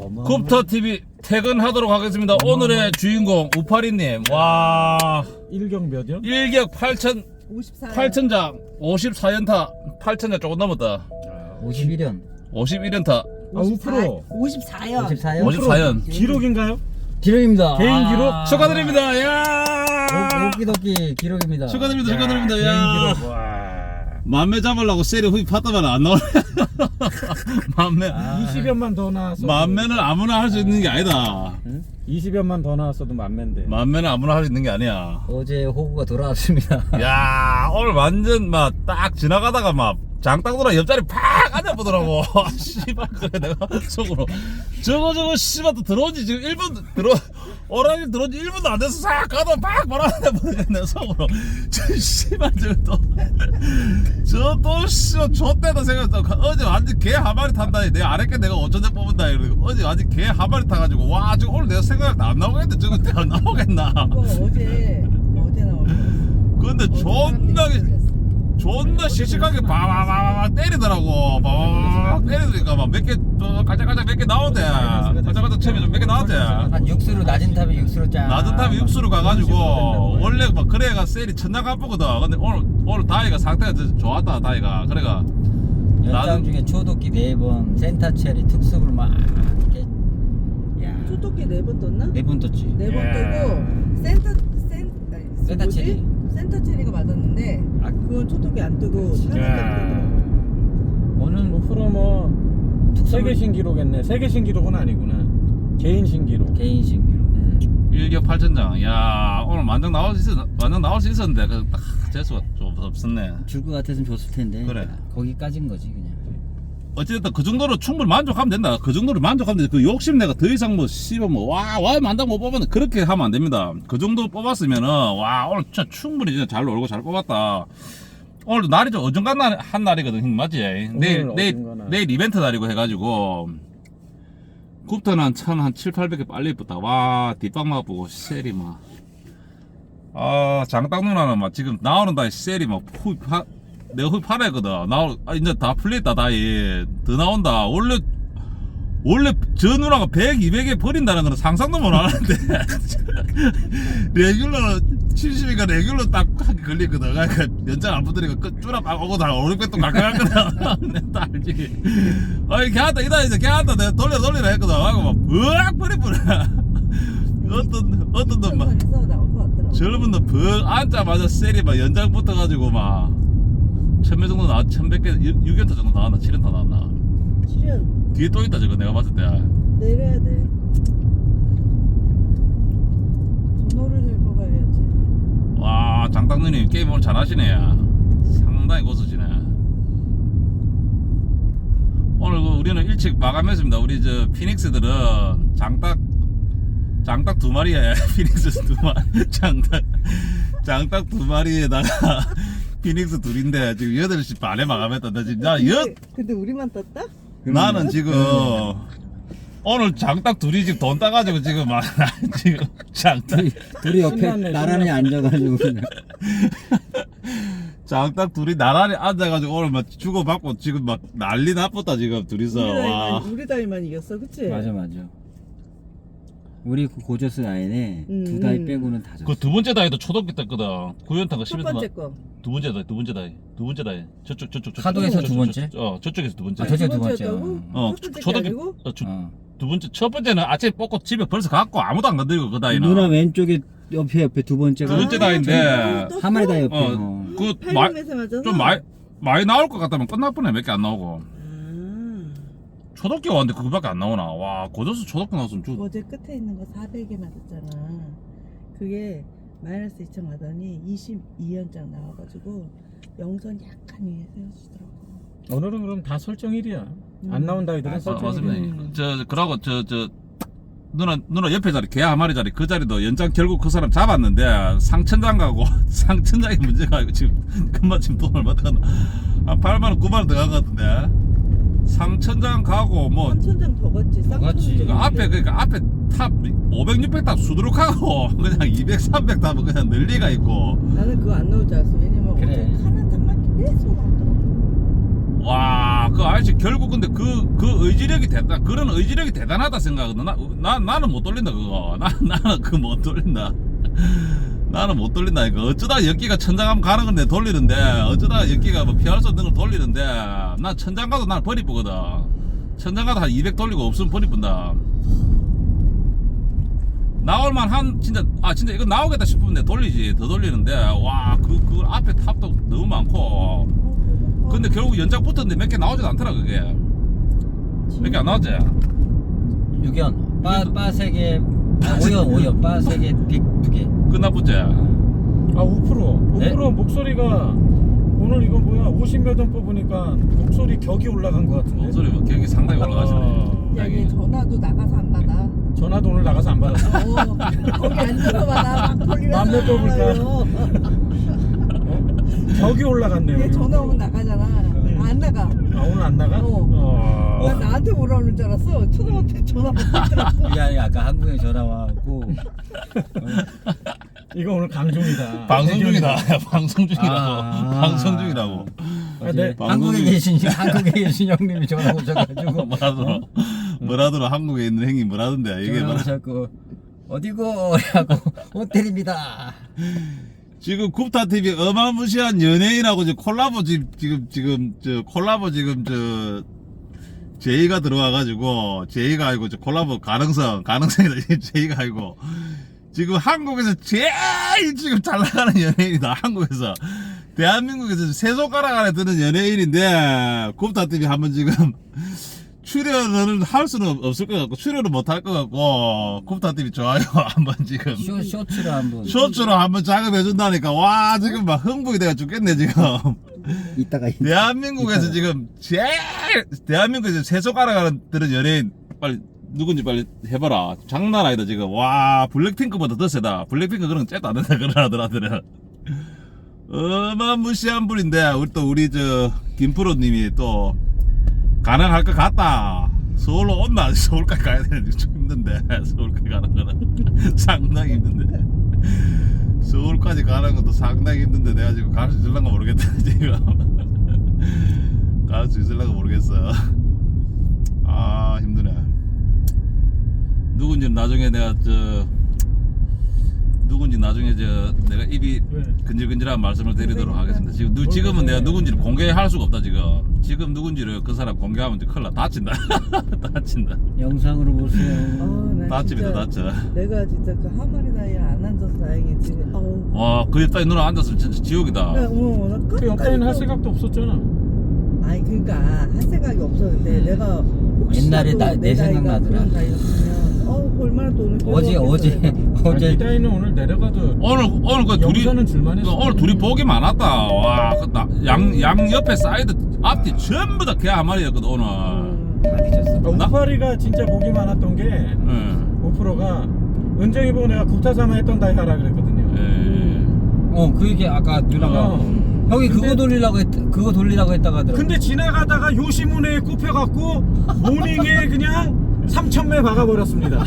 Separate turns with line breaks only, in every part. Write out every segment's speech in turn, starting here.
굽터 TV 퇴근하도록 하겠습니다. 오늘의 주인공 우파리님. 와,
일경 몇이요?
일격 8천장 54연타 8천장 조금 넘었다.
51연.
51연타
5%.
54연.
54연.
54연
기록인가요?
기록입니다.
개인 기록?
축하드립니다. 야,
오키도키 기록입니다.
축하드립니다. 축하드립니다.
개인
야,
기록. 와.
만매 잡으려고 세리 후입 봤다면 안 나오네. 만매
20연만 더 나왔어도
만매는 아무나 할 수 있는 게 아니다.
20연만 더 나왔어도 만매인데.
만매는 아무나 할 수 있는 게 아니야.
어제 호구가 돌아왔습니다.
야, 오늘 완전 막 딱 지나가다가 막 장딱 돌아 옆자리 팍 앉아보더라고. 씨발, 그래 내가 속으로 저거 씨발 또 들어온지 지금 1분 오라니 들어온지 1분도 안 돼서 싹 가다 팍 말아내보네 내 속으로. 저 씨발 저또 씨발 좆대다 생각했다. 어제 완전 개 한 마리 탄다니. 내 아랫게 내가 어쩐지 뽑은다 이러고 어제 완전 개 한 마리 타가지고 와 지금 오늘 내가 생각할 때 안 나오겠는데 저거 안 나오겠나.
이거 어제 나올 거야.
근데 존나 씩씩하게 바바바바 때리더라고. 바바바바 때리니까 막 몇 개 깔짝깔짝 몇 개 나오대. 깔짝깔짝 챔이 좀 몇 개 나오대.
한 육수로 낮은 탑에 육수로 짜.
낮은 탑에 육수로 가가지고 원래 막 그래가 셀이 천장 갚거든. 근데 오늘 다이가 상태가 좋았다. 다이가 그래가
연장 중에 초도끼 4번, 센터 체리 특수를 막 이렇게. 야.
초토끼 4번 떴나?
4번 떴지.
4번 뜨고
센터 체리.
센터 체리가 맞았는데 그건 초토끼 안 뜨고
야.
하나밖에
오늘 5% 세계 신기록했네. 세계 신기록은 아니구나. 개인 신기록.
개인 신기록.
1격 8천장. 야 오늘 완전 나올 수 있었는데 딱 재수가 좀 없었네.
줄 것 같았으면 줬을 텐데.
그래.
거기까진 거지 그냥.
어쨌든 그 정도로 충분히 만족하면 된다. 그 정도로 만족하면 돼. 그 욕심 내가 더 이상 뭐 씹어 와 만당 못 뽑았네. 그렇게 하면 안 됩니다. 그 정도 뽑았으면은 와 오늘 진짜 충분히 진짜 잘 놀고 잘 뽑았다. 오늘도 날이 좀 어중간한 날이거든. 형님 맞지? 내일 이벤트 날이고 해가지고 굽터는 한 700-800개 빨리 입었다. 와 뒷방만 보고 셀이 막 장딱 누나는 막 지금 나오는 다이 셀이 막 내가 후입 팔아야거든. 이제 다 풀렸다 다이. 더 나온다. 원래 저 누나가 100, 200에 버린다는 거는 상상도 못 하는데 레귤러 70이니까 레귤러 딱 하게 걸리거든. 그러니까 연장 안 붙으니까 쭈라 막 오고 다 500배 또 갈거든. 딱 알지. 아이 걔한테 이제 걔한테 내가 돌리라 했거든. 하고 막 으악 버리버려. 어떤 놈 막
그래서 나올 것 같더라고.
젊은 놈 앉자마자 셀이 막 연장 붙어가지고 막 1000매 정도 나왔, 1100개, 6연타 정도 나왔나? 7연타 나왔나?
출연
뒤에 또 있다, 저거 내가 봤을 때.
내려야 돼. 번호를 들고 가야지.
와, 장당누님 게임 오늘 잘하시네. 상당히 고수시네. 오늘 우리는 일찍 마감했습니다. 우리 저 피닉스들은 장딱 2마리에, 피닉스 2마리, 장딱 2마리에다가 피닉스 둘인데 지금 8시 반에 마감했다. 나 지금
근데 우리만 떴다?
나는 지금 오늘 장딱 둘이 지금 돈 따가지고 지금 막 지금 장딱
둘이 옆에
신났네,
나란히 앉아가지고 그냥.
장딱 둘이 나란히 앉아가지고 오늘 막 주고받고 지금 막 난리 났었다 지금 둘이서. 와.
우리 다이만 이겼어, 그치?
맞아. 우리 그 고저스 라인에 두 다이 빼고는 다 졌어.
그 두 번째 다이도 초등학교 때거든. 9연타가
첫
11타.
번째 거.
두 번째 다이. 저쪽.
카도에서 두 번째?
저쪽에서 두 번째.
아, 저쪽 두 번째.
번째였다고? 첫 번째 게 아니고?
두 번째, 첫 번째는 아침에 뽑고 집에 벌써 갔고 아무도 안 건드리고 그 다이는.
누나 왼쪽에 옆에 두 번째가.
두 번째 다이인데.
한 마리 다 옆에.
그
팔림에서 맞아서?
좀 많이 나올 것 같다면 끝날 뻔해. 몇 개 안 나오고. 초등학교 왔는데 그거밖에 안 나오나. 와 고저스 초등학교 나왔으면
어제 끝에 있는 거 400에 맞았잖아. 그게 마이너스 2천 맞더니 22연장 나와가지고 영선 약간 위에 세워주더라고.
오늘은 그럼 다 설정일이야. 안 나온 다이들은 설정일.
맞습니다. 그러고 누나 옆에 자리 개 한 마리 자리 그 자리도 연장 결국 그 사람 잡았는데 상천장 가고 상천장이 문제가 아니고 지금 금방 지금 돈 얼마 들어갔나 한 8만원 9만원 들어간 것 같은데 상천장 가고 뭐
3천장 더 갔지.
갔지.
그러니까 앞에 탑 500, 600탑 수두룩하고 그냥 200, 300탑은 그냥 늘리가 있고.
나는 그거 안 나올 줄 알았어. 왜냐면
그래.
어제 하나 탑만 계속 나오더라고.
와, 그 아저씨 결국 근데 그 의지력이 그런 의지력이 대단하다 생각하거든. 나는 못 돌린다 그거. 나는 그거 못 돌린다. 나는 못 돌린다. 이거 어쩌다 연기가 천장 가면 가는 건데 돌리는데, 어쩌다 연기가 뭐 피할 수 없는 걸 돌리는데, 난 천장 가도 난 버리쁘거든. 천장 가도 한 200 돌리고 없으면 버리뿐다. 나올만 진짜 이거 나오겠다 싶으면 내 돌리지. 더 돌리는데, 와, 그 앞에 탑도 너무 많고. 근데 결국 연장 붙었는데 몇 개 나오지도 않더라, 그게. 몇 개 안 나왔지?
6연 빠 3개 5연 빠 3개 빅 2개
끝나붙지?
아 5%
네?
목소리가 오늘 이거 뭐야 50몇 원 뽑으니까 목소리 격이 올라간 것 같은데.
목소리 뭐 격이 상당히 올라가시네.
야, 얘 전화도 나가서 안 받아.
전화도 오늘 나가서 안 받았어.
거기 앉아서 받아. 막 돌리면서
맘에 뽑을까?
나가요.
격이 올라갔네요.
얘 전화 오면 나가잖아. 안 나가.
아 오늘 안 나가?
난 나한테 뭐라 그러는 줄 알았어. 초등한테 전화 받더라고.
이게 아니 아까 한국에 전화 와갖고
이거 오늘 강종이다.
방송 중이다. 방송 중이라고.
아.
방송 중이라고.
아, 네.
한국에 계신 형님이 전화 오셔가지고
뭐라더라 한국에 있는 형이 뭐라던데 이게
전화
뭐라.
오셔갖고 어디고 하고 호텔입니다.
지금 굽타 TV 어마무시한 연예인하고 지금 콜라보 지금 제이가 들어와가지고 제이가 아니고 저 콜라보 가능성이다 제이가 아니고 지금 한국에서 제일 지금 잘 나가는 연예인이다. 한국에서 대한민국에서 세 손가락 안에 드는 연예인인데 굽타 TV 한번 지금 출연을 할 수는 없을 것 같고 출연을 못 할 것 같고 굽타 TV 좋아요 한번 지금
쇼츠로 한번
쇼츠로 한번 작업해 준다니까. 와 지금 막 흥분이 돼가 죽겠네 지금.
이따가
대한민국에서 지금 대한민국에서 세 손가락 안에 드는 연예인 빨리 누군지 빨리 해봐라. 장난 아니다 지금. 와 블랙핑크보다 더 세다. 블랙핑크 그런 거 째도 안 된다 그런 아들아들은. 어마무시한 분인데 우리 저 김프로님이 또 가능할 것 같다. 서울로 온나. 서울까지 가야 되는데 좀 힘든데 서울까지 가는 거는 상당히 힘든데 서울까지 가는 것도 상당히 힘든데 내가 지금 갈 수 있을란가 모르겠다 지금. 갈 수 있을란가 모르겠어. 아 힘드네. 누군지 나중에 내가 내가 입이
왜?
근질근질한 말씀을 드리도록 하겠습니다. 지금은 내가 누군지를 공개할 수가 없다 지금 누군지를 그 사람 공개하면 이제 큰일 나. 다친다. 다친다.
영상으로 보세요.
난
다칩니다
진짜
다쳐.
내가 진짜 그 하마리 다이에 안 앉아서 다행이지.
와그 옆에 누나 앉았으면 진짜 지옥이다.
나
그 옆에는 할 생각도 없었잖아.
아니 그러니까 할 생각이 없었는데 내가
옛날에
혹시라도
내
나이가
생각나더라.
그런 나이였으면 얼마나 돈을
어제
이 따위는 오늘 내려가도
오늘 그 둘이
영상은 줄만 했어.
오늘 둘이 복이 많았다. 와양 옆에 사이드 앞뒤 전부 다 개 한 마리였거든 오늘.
다 뒤졌어.
우파리가 진짜 복이 많았던 게
응.
5%가 은정이 보고 내가 구타사마 했던 다이 하라 그랬거든요.
그 얘기 아까 누나가 형이 그거 돌리라고 했다가 하더라고.
근데 지나가다가 요시문에 꼽혀갖고 모닝에 그냥 3,000매 박아버렸습니다.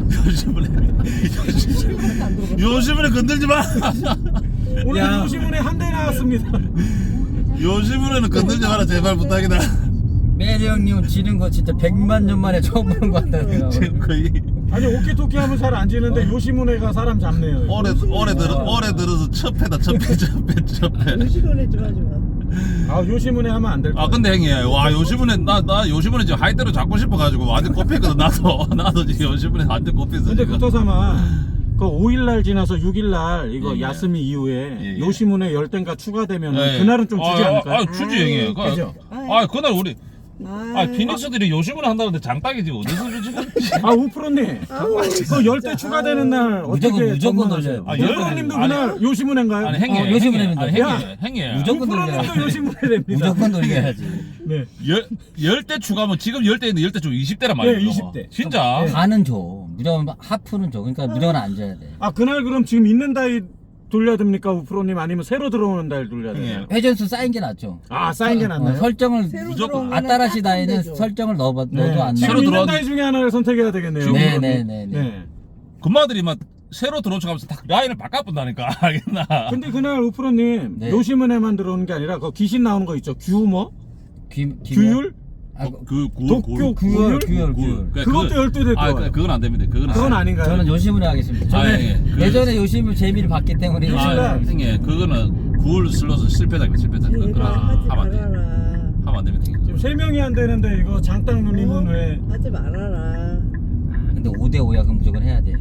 요즘에 건들지 마.
오늘
야.
요시문에 한 대 나왔습니다.
요즘에는 건들지 마라 제발 부탁이다.
메리 형님 지는 거 진짜 100만 년 만에 처음 보는 것 같다 내가.
지금 거의
아니 오키토키 하면 잘 안 지는데 요시문에가 사람 잡네요.
올해 들어서 첫 패다 첫 패.
요시문에 좀 하지 마.
아 요시문에 하면 안 될 거야.
아 근데 형님 와 요즘에 나 요즘에 지금 하이대로 잡고 싶어가지고 완전 꼽혔거든. 나도 지금 요즘에 완전 꼽혔어.
근데
지금.
구타사마 그 5일날 지나서 6일날 이거
예, 예.
야스미 이후에
예, 예.
요시문에 열대가 추가되면
예, 예.
그날은 좀 주지 않을까요?
주지 형님.
그죠?
그날 우리
아,
피닉스들이 요즘에 한다는데 장딱이지 어디서 주지?
아 우프로님 그 열대 추가되는 날 어떻게
무조건 돌려요.
열방님도 그날 요시문인가요?
아니 행님
요즘에는
행님
무조건
우프로님도
돌려야지.
요시문에 됩니다.
무조건 돌려야지.
네.
열대 추가하면 지금 열대인데 열대 중 20대란 말이야.
네, 20대.
진짜.
네.
반은 줘. 무조건 하프는 줘. 그러니까 무조건 앉아야 돼.
아 그날 그럼 지금 있는 다이 돌려야 됩니까 우프로님 아니면 새로 들어오는 다이 돌려야 돼요?
회전수 쌓인 게 낫죠.
아 쌓인 게 낫나요?
설정을
새로
무조건
들어온 거는
아따라시
딱
다이는
건데죠.
설정을 넣어도
네.
안
지금
새로
나와.
있는
들어왔는데-
다이 중에 하나를 선택해야 되겠네요.
네네네.
네.
금마들이 막 새로 들어온 척하면서 다 라인을 바꿔본다니까. 알겠나?
근데 그날 우프로님
네.
요시문에만 들어오는 게 아니라 그 귀신 나오는 거 있죠? 규모? 규율?
그구구구
규율? 그것도 12대
아,
거.
그건 안 됩니다.
그건 아닌가요?
저는 요심으로 하겠습니다. 저는
아, 예.
예전에 요심을 재미를 봤기 때문에 요심을
요심을
하겠습니다.
형님 그거는 구울 슬롯은 실패작입니다. 실패작.
제발
그거
하지
하면 안 돼.
말아라.
하면 안 됩니다. 형님.
지금 3명이 안 되는데 이거 장땅 누님은 왜?
하지 말아라.
근데 5대5야 그럼 무조건 해야 돼.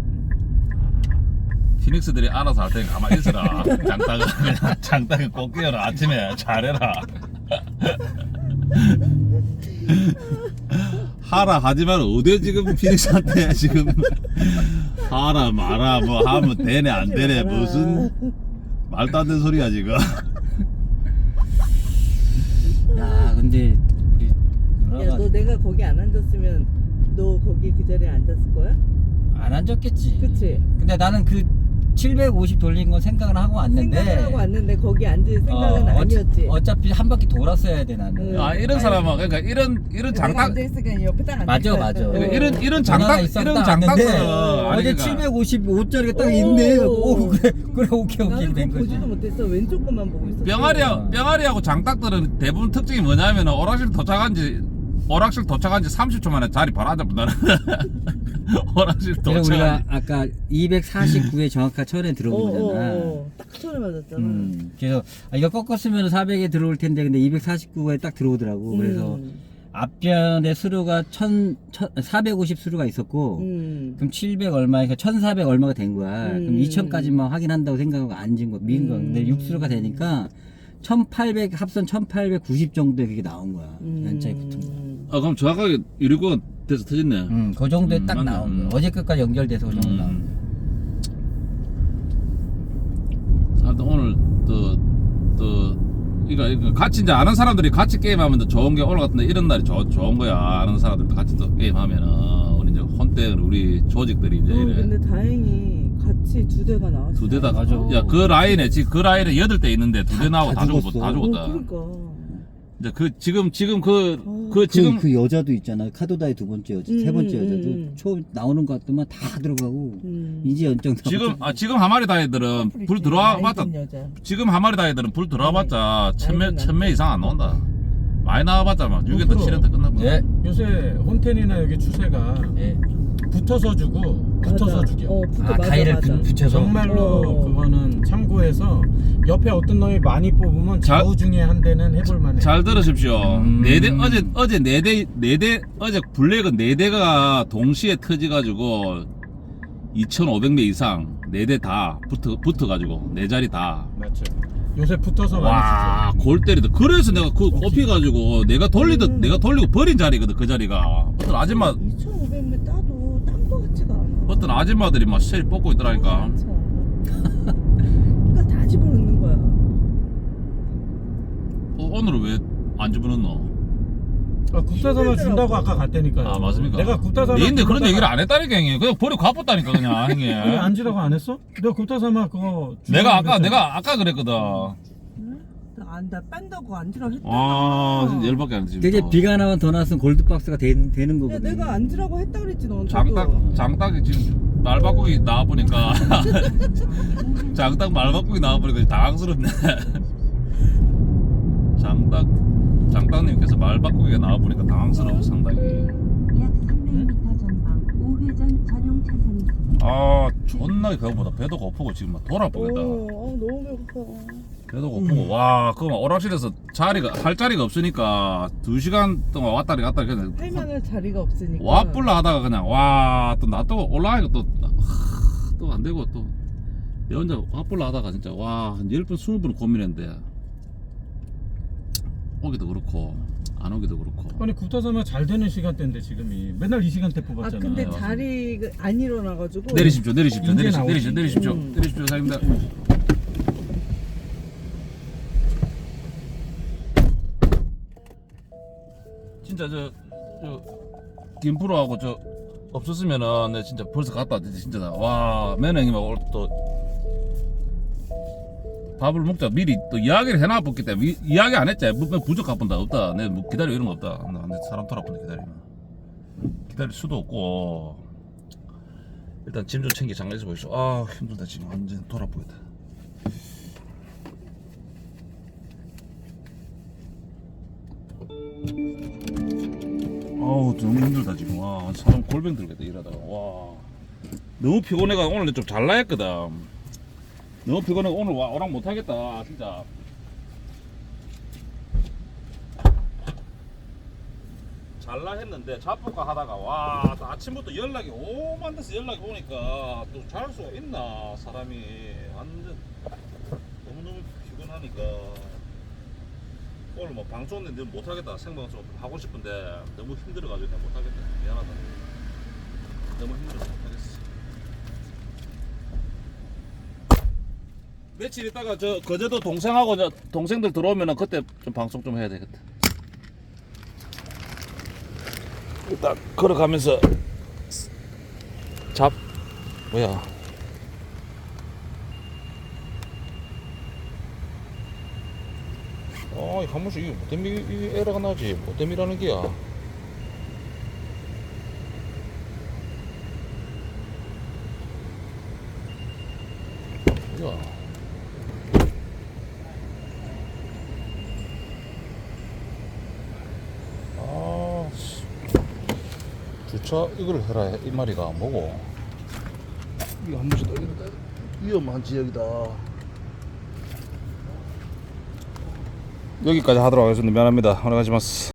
피닉스들이 알아서 할 테니 가만히 있어라. 장땅을 꼭 끼워라. 아침에 잘해라. 하라 하지 마라. 어디 지금 피닉스한테 지금 하라 마라 뭐 하면 되네 안 되네
하지 마라.
무슨 말도 안 되는 소리야 지금.
야 근데 우리
야,
누나가
너 내가 거기 안 앉았으면 너 거기 그 자리에 앉았을 거야?
안 앉았겠지.
그치?
근데 나는 그 750 돌린 건 생각을 하고 왔는데
생각을 하고 왔는데 거기 앉을 생각은 아니었지.
어차피 한 바퀴 돌았어야 돼 나는.
응.
아 이런 사람은 그러니까 이런
내가
장땅
앉아있으니까 옆에 딱 앉아.
맞아, 맞아.
이런
누나가
장땅
있었다
이런
왔는데
장땅들은
어제
아니, 그러니까
755짜리가 딱
오.
있네. 오 그래 오케이
나는
된
그거
거지.
보지도 못했어. 왼쪽 것만 보고 있었어.
병아리하고 장딱들은 대부분 특징이 뭐냐면 오락실 도착한 지 30초 만에 자리 바로 앉아본다는. 오락실
그래서
도착한
우리가 아까 249에 정확한 천에 들어온 거잖아.
딱 처음에 맞았잖아.
그래서 이거 꺾었으면 400에 들어올 텐데 근데 249에 딱 들어오더라고. 그래서 앞변에 수루가 450 수루가 있었고 그럼 700 얼마니까 1400 얼마가 된 거야. 그럼 2000까지만 확인한다고 생각하고 앉은 거 미인 거. 근데 6수루가 되니까 1800 합선 1890 정도에 그게 나온 거야. 연차에 붙은 거.
아 그럼 정확하게 유리권 돼서 터졌네.
그 정도에 딱
맞네.
나온 거야. 어제 끝까지 연결돼서 그 정도 나온 거야.
하여튼 오늘 이거 같이 이제 아는 사람들이 같이 게임하면 더 좋은 게 오늘 같은데 이런 날이 좋은 거야. 아는 사람들도 같이 또 게임하면은 우리 이제 혼때 우리 조직들이 이제 이래.
근데 다행히 같이 2대가 나왔어.
2대 다
맞아.
야 그 라인에 지금 그 라인에 8대 있는데 2대 나오고 다 죽었어. 다 죽었다.
그러니까.
이제 지금 지금
그 여자도 있잖아. 카도다의 두 번째 여자, 세 번째 여자도
음.
처음 나오는 것 같더만 다 들어가고 이제 연정
지금 하마리 다이들은 불 들어와 봤자
여자.
지금 하마리 다이들은 불 들어와 봤자
나이든
1000명 이상 안 나온다. 많이 나와봤자 막 6회부터 7회부터 끝나고.
예.
요새 혼텐이나 여기 추세가
예.
붙어서 주고 붙어서
맞아.
죽여.
맞아,
가위를
맞아.
붙여서
정말로 그거는 참고해서 옆에 어떤 놈이 많이 뽑으면 좌우 중에 한 대는 해볼만해.
잘 들으십시오. 어제 4대 어제 블랙은 4대가 동시에 터지가지고 2,500명 이상 4대 다 붙어가지고 4자리 다.
맞죠. 요새 붙어서
와,
많이
골 때리다. 그래서 내가 그 꼽혀가지고 내가 돌리고 버린 자리거든 그 자리가. 어떤 아줌마
2,500명 따도 딴 거 같지가 않아.
어떤 아줌마들이 막 셀 뽑고 있더라니까.
그러니까 다 집어넣는 거야.
오늘은 왜 안 집어넣노?
국타사만 준다고 아까 갔다니까요.
아 맞습니까?
내가 국타사만
근데 그런 얘기를 안 했다니까 형님. 그냥 버리고 가봤다니까 그냥 형님.
왜 앉으라고 안 했어? 내가 국타사만 그거
내가
주라고
내가 아까 그랬거든.
나 뺀다고 앉으라고 했다.
아 진짜 열받게 안 지금.
그게 비가 나면 더 나왔으면 골드박스가 되는
야,
거거든.
내가 앉으라고 했다 그랬지 너한테.
장딱이 지금 말 바꾸기 나와 보니까 장딱 말 바꾸기 나와 보니까 당황스럽네. 장딱님께서 말 바꾸기가 나와 보니까 당황스러워 상당히.
약 300m 전방 우회전 전용 차선입니다.
아 존나게 그거보다 배도 고프고 지금 막 돌아보겠다.
너무 배고파.
배도 고프고 와 그거 막 오락실에서 할 자리가 없으니까 2시간 동안 왔다리 갔다리 그냥
할 만한 자리가 없으니까.
와뿔라 하다가 그냥 와 또 나 또 올라가니까 또 안 되고 또 내 혼자 와뿔라 하다가 진짜 와 한 10번 20번 고민했는데 오기도 그렇고 안 오기도 그렇고.
아니 국타사만 잘 되는 시간대인데 지금이 맨날 이 시간대 뽑았잖아.
근데
맞아.
자리가 안 일어나가지고.
내리십시오
이제 나오지.
내리십시오 사장님들. 진짜 저 김프로하고 저 없었으면은 내 진짜 벌써 갔다 진짜 와 매너형님하고 오늘 또 밥을 먹자 미리 또 이야기를 해놔봤기 때문에 이야기 안 했지. 뭐 부족 가본다 없다. 내 뭐 기다려 이런 거 없다. 근데 사람 돌아본다 기다릴 수도 없고. 일단 짐 좀 챙겨 장례에서 보이소. 아 힘들다 지금 완전 돌아보겠다. 너무 힘들다 지금. 와 사람 골병 들겠다 이러다가. 와 너무 피곤해가 오늘 좀 잘 나했거든. 너무 피곤해 오늘 와 오락 못하겠다 진짜. 잘라 했는데 잡볼까 하다가 와 아침부터 연락이 오만 데서 연락이 오니까 또 잘 수가 있나 사람이 완전 너무너무 피곤하니까 오늘 뭐 방송인데 못하겠다 생방송 하고 싶은데 너무 힘들어가지고 내가 못하겠다 미안하다 너무 힘들어서 못하겠어. 며칠 있다가 저 거제도 동생하고 동생들 들어오면은 그때 좀 방송 좀 해야 되겠다. 일단 걸어가면서 뭐야 한 번씩 이게 뭐 때문에 이 에러가 나지 뭐 때문이라는 게야. 뭐야 주차 이걸 해라 이 말이가 뭐고 이거 한 번씩 더 위험한 지역이다. 여기까지 하도록 하겠습니다. 미안합니다. 오늘 가시마스.